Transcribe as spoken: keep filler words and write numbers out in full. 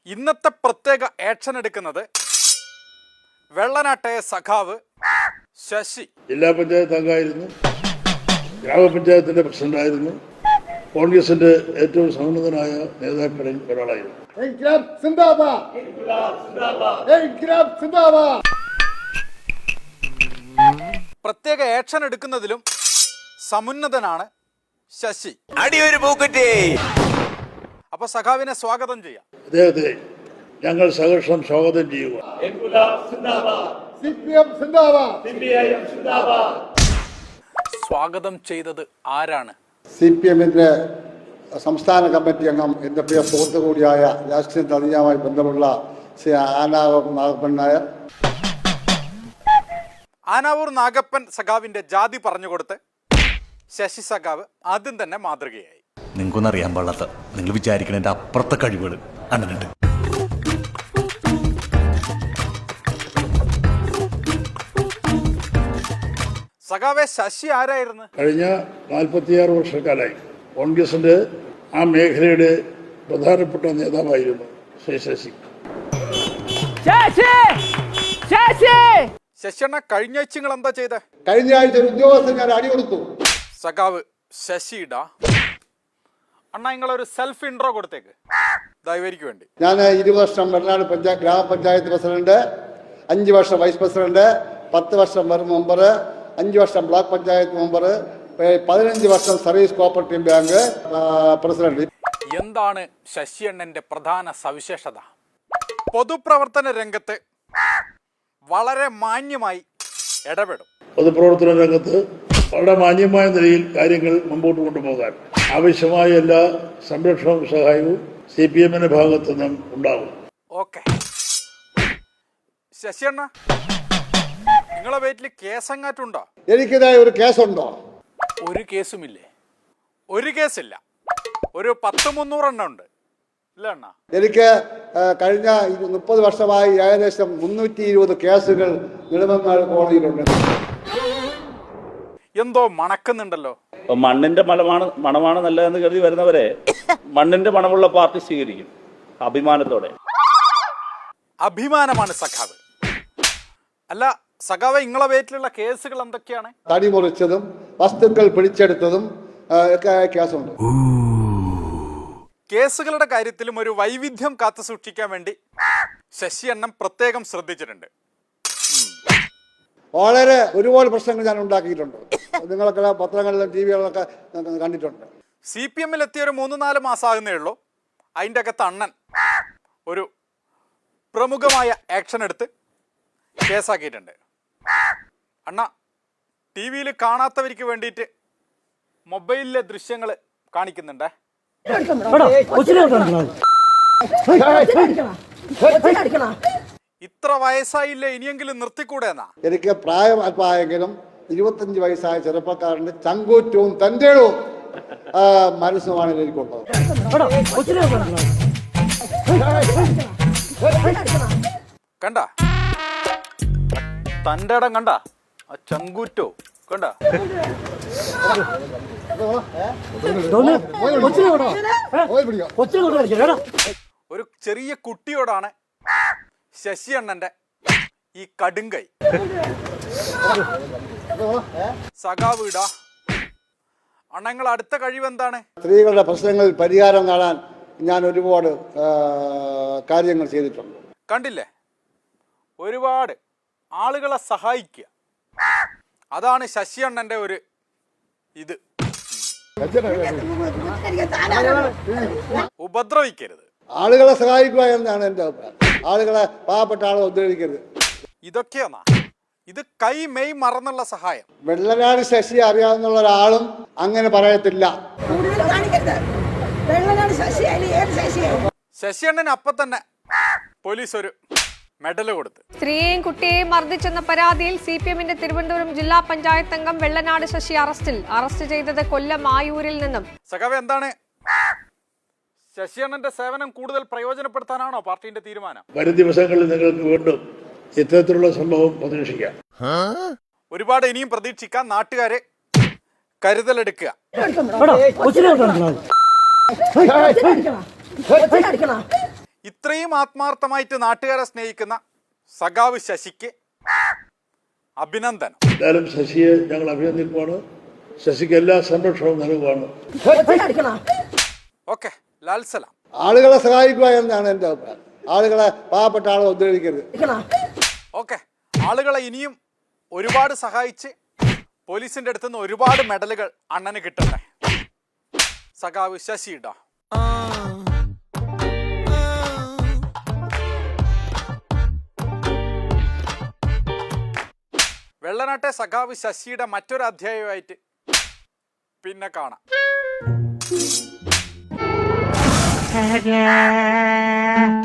ഇന്നത്തെ പ്രത്യേക ആക്ഷൻ എടുക്കുന്നത് വെള്ളനാട്ടയ സഖാവ് ശശി. ജില്ലാ പഞ്ചായത്ത് അംഗമായിരുന്നു, ഗ്രാമപഞ്ചായത്തിന്റെ പ്രസിഡന്റായിരുന്നു, കോൺഗ്രസിന്റെ ഏറ്റവും സമുന്നതനായ നേതാക്കളിൽ ഒരാളായിരുന്നു. പ്രത്യേക ആക്ഷൻ എടുക്കുന്നതിലും സമുന്നതനാണ് ശശി. അപ്പൊ സഖാവിനെ സ്വാഗതം ചെയ്യാം. അദ്ദേഹത്തെ ഞങ്ങൾ സഹർഷം സ്വാഗതം ചെയ്യുക. സ്വാഗതം ചെയ്തത് ആരാണ്? സി പി എമ്മിന്റെ സംസ്ഥാന കമ്മിറ്റി അംഗം എൻ്റെ പ്രിയ സുഹൃത്തു കൂടിയായ രാഷ്ട്രീയ തലീയമായി ബന്ധമുള്ള ശ്രീ ആനാവൂർ നാഗപ്പൻ നായർ. ആനാവൂർ നാഗപ്പൻ സഖാവിന്റെ ജാതി പറഞ്ഞുകൊടുത്ത് ശശി സഖാവ് ആദ്യം തന്നെ മാതൃകയായി. നിങ്ങൾക്കൊന്നും അറിയാൻ പാടില്ലാത്ത, നിങ്ങൾ വിചാരിക്കുന്നതിന്റെ അപ്പുറത്തെ കഴിവുകൾ അണ്ണനുണ്ട്. സഖാവെ, ശശി ആരായിരുന്നു? കഴിഞ്ഞ നാൽപ്പത്തിയാറ് വർഷക്കാലായി കോൺഗ്രസിന്റെ ആ മേഖലയുടെ പ്രധാനപ്പെട്ട നേതാവായിരുന്നു ശ്രീ ശശി. ശശിയണ്ണ, കഴിഞ്ഞ ആഴ്ച നിങ്ങൾ എന്താ ചെയ്തേ? കഴിഞ്ഞ ആഴ്ച ഒരു ഉദ്യോഗസ്ഥൻ ഞാൻ അടി കൊടുത്തു. സഖാവ് ശശിയുടെ അണ്ണ നിങ്ങളൊരു സെൽഫ് ഇൻട്രോ കൊടുത്തേക്ക് ദയവേരിക്ക് വേണ്ടി. ഞാൻ ഇരുപത് വർഷം വെള്ളനാട് പഞ്ചായത്ത് ഗ്രാമപഞ്ചായത്ത് പ്രസിഡന്റ്, അഞ്ച് വർഷം വൈസ് പ്രസിഡന്റ്, പത്ത് വർഷം വെറും മെമ്പർ, അഞ്ച് വർഷം ബ്ലോക്ക് പഞ്ചായത്ത് മെമ്പർ, പതിനഞ്ച് വർഷം സർവീസ് കോപ്പറേറ്റീവ് ബാങ്ക് പ്രസിഡന്റ്. എന്താണ് ശശി അണ്ണന്റെ പ്രധാന സവിശേഷത? പൊതുപ്രവർത്തന രംഗത്ത് വളരെ മാന്യമായി ഇടപെടും. പൊതുപ്രവർത്തന രംഗത്ത് വളരെ മാന്യമായ നിലയിൽ കാര്യങ്ങൾ മുമ്പോട്ട് കൊണ്ടുപോകാൻ ആവശ്യമായ എല്ലാ സംരക്ഷണവും സഹായവും സി പി എമ്മിന്റെ ഭാഗത്തു നിന്നും ഉണ്ടാകും. ഓക്കെ ശശിയണ്ണ, നിങ്ങളെ വീട്ടിൽ കേസങ്ങാറ്റുണ്ടോ? എനിക്കിതായ ഒരു കേസുണ്ടോ? ഒരു കേസുമില്ലേ? ഒരു കേസില്ല, ഒരു പത്ത് മുന്നൂറെണ്ണം ഉണ്ട് ഇല്ല അണ്ണ? എനിക്ക് കഴിഞ്ഞ മുപ്പത് വർഷമായി ഏകദേശം മുന്നൂറ്റി ഇരുപത് കേസുകൾ നെടുമങ്ങാട് കോടതിയിലുണ്ട്. എന്തോ മണക്കുന്നുണ്ടല്ലോ. മണ്ണിന്റെ മണമാണ് മണമാണ് നല്ലതെന്ന് കരുതി വരുന്നവരെ മണ്ണിന്റെ മണമുള്ള പാർട്ടി സ്വീകരിക്കും അഭിമാനത്തോടെ. അഭിമാനമാണ് സഖാവ്. അല്ല സഖാവ്, നിങ്ങളെ വീട്ടിലുള്ള കേസുകൾ എന്തൊക്കെയാണ്? തടി മുറിച്ചതും വസ്തുക്കൾ പിടിച്ചെടുത്തതും ഒക്കെ കേസുണ്ട്. കേസുകളുടെ കാര്യത്തിലും ഒരു വൈവിധ്യം കാത്തു സൂക്ഷിക്കാൻ വേണ്ടി ശശി അണ്ണൻ പ്രത്യേകം ശ്രദ്ധിച്ചിട്ടുണ്ട്. വളരെ ഒരുപാട് പ്രശ്നങ്ങൾ ഞാൻ ഉണ്ടാക്കിയിട്ടുണ്ട്. നിങ്ങളൊക്കെ പത്രങ്ങളിലും ടി വികളിലൊക്കെ കണ്ടിട്ടുണ്ട്. സി പി എമ്മിൽ എത്തിയ ഒരു മൂന്ന് നാല് മാസമാകുന്നേ ഉള്ളൂ. അതിൻ്റെ അകത്ത് അണ്ണൻ ഒരു പ്രമുഖമായ ആക്ഷൻ എടുത്ത് കേസാക്കിയിട്ടുണ്ട്. അണ്ണ, ടി വിയിൽ കാണാത്തവർക്ക് വേണ്ടിയിട്ട് മൊബൈലിലെ ദൃശ്യങ്ങൾ കാണിക്കുന്നുണ്ടേ. ഇത്ര വയസ്സായില്ലേ, ഇനിയെങ്കിലും നിർത്തിക്കൂടെ എന്നാ? എനിക്ക് പ്രായം അല്പമായെങ്കിലും ഇരുപത്തഞ്ച് വയസ്സായ ചെറുപ്പക്കാരന്റെ ചങ്കൂറ്റവും തന്റേടവും മനസ്സുമാണ് എനിക്കുള്ളത്. കണ്ട തന്റെ ഇടം കണ്ട, ആ ചങ്കൂറ്റോ കണ്ട. ഒരു ചെറിയ കുട്ടിയോടാണ് ശശി അണ്ണന്റെ ഈ കടുങ്കൈ. സഖാവ് ഇടാ അണ്ണങ്ങൾ, അടുത്ത കഴിവ് എന്താണ്? സ്ത്രീകളുടെ പ്രശ്നങ്ങളിൽ പരിഹാരം കാണാൻ ഞാൻ ഒരുപാട് കാര്യങ്ങൾ ചെയ്തിട്ടുണ്ട്. കണ്ടില്ലേ, ഒരുപാട് ആളുകളെ സഹായിക്കുക, അതാണ് ശശി അണ്ണന്റെ ഒരു ഇത്. ഉപദ്രവിക്കരുത്, ആളുകളെ സഹായിക്കുക എന്നാണ് എൻ്റെ അഭിപ്രായം. ആളുകളെ, പാവപ്പെട്ട ആളെ ഉപദ്രവിക്കരുത്. ഇതൊക്കെയാണോ ഇത്? കൈ മെയ് മറന്നുള്ള സഹായം. വെള്ളനാട് ശശി അറിയാവുന്ന ഒരാളും അങ്ങനെ പറയത്തില്ല. ശശി അണ്ണന് അപ്പൊ തന്നെ പോലീസ് ഒരു മെഡൽ കൊടുത്ത്. സ്ത്രീയെയും കുട്ടിയെയും മർദ്ദിച്ചെന്ന പരാതിയിൽ സി പി എമ്മിന്റെ തിരുവനന്തപുരം ജില്ലാ പഞ്ചായത്ത് അംഗം വെള്ളനാട് ശശി അറസ്റ്റിൽ. അറസ്റ്റ് ചെയ്തത് കൊല്ലം ആയൂരിൽ നിന്നും. സഖാവ്, എന്താണ് ശശി അണ്ണന്റെ സേവനം കൂടുതൽ പ്രയോജനപ്പെടുത്താനാണോ പാർട്ടിന്റെ തീരുമാനം? വരും ദിവസങ്ങളിൽ നിങ്ങൾക്ക് വീണ്ടും ഇത്തരത്തിലുള്ള സംഭവം പ്രതീക്ഷിക്കാം. ഒരുപാട് ഇനിയും പ്രതീക്ഷിക്കാം. നാട്ടുകാരെ കരുതലെടുക്കുക. ഇത്രയും ആത്മാർത്ഥമായിട്ട് നാട്ടുകാരെ സ്നേഹിക്കുന്ന സഖാവ് ശശിക്ക് അഭിനന്ദനം. എന്തായാലും ശശിയെ ഞങ്ങൾ അഭിനന്ദിക്കുവാണ്. ശശിക്ക് എല്ലാ സംരക്ഷണവും നൽകുവാണ്. ഓക്കെ, ലാൽ സലാം. ആളുകളെ സഹായിക്കുക എന്നാണ് എൻ്റെ അഭിപ്രായം. ആളുകളെ, പാവപ്പെട്ട ആളെ ഉദ്ധരിക്കരുത്. ഓക്കെ, ആളുകളെ ഇനിയും ഒരുപാട് സഹായിച്ച് പോലീസിന്റെ അടുത്ത് നിന്ന് ഒരുപാട് മെഡലുകൾ അണ്ണന് കിട്ടട്ടെ. സഖാവ് ശശിയുടെ വെള്ളനാട്ടെ സഖാവ് ശശിയുടെ മറ്റൊരു അധ്യായമായിട്ട് പിന്നെ കാണാം.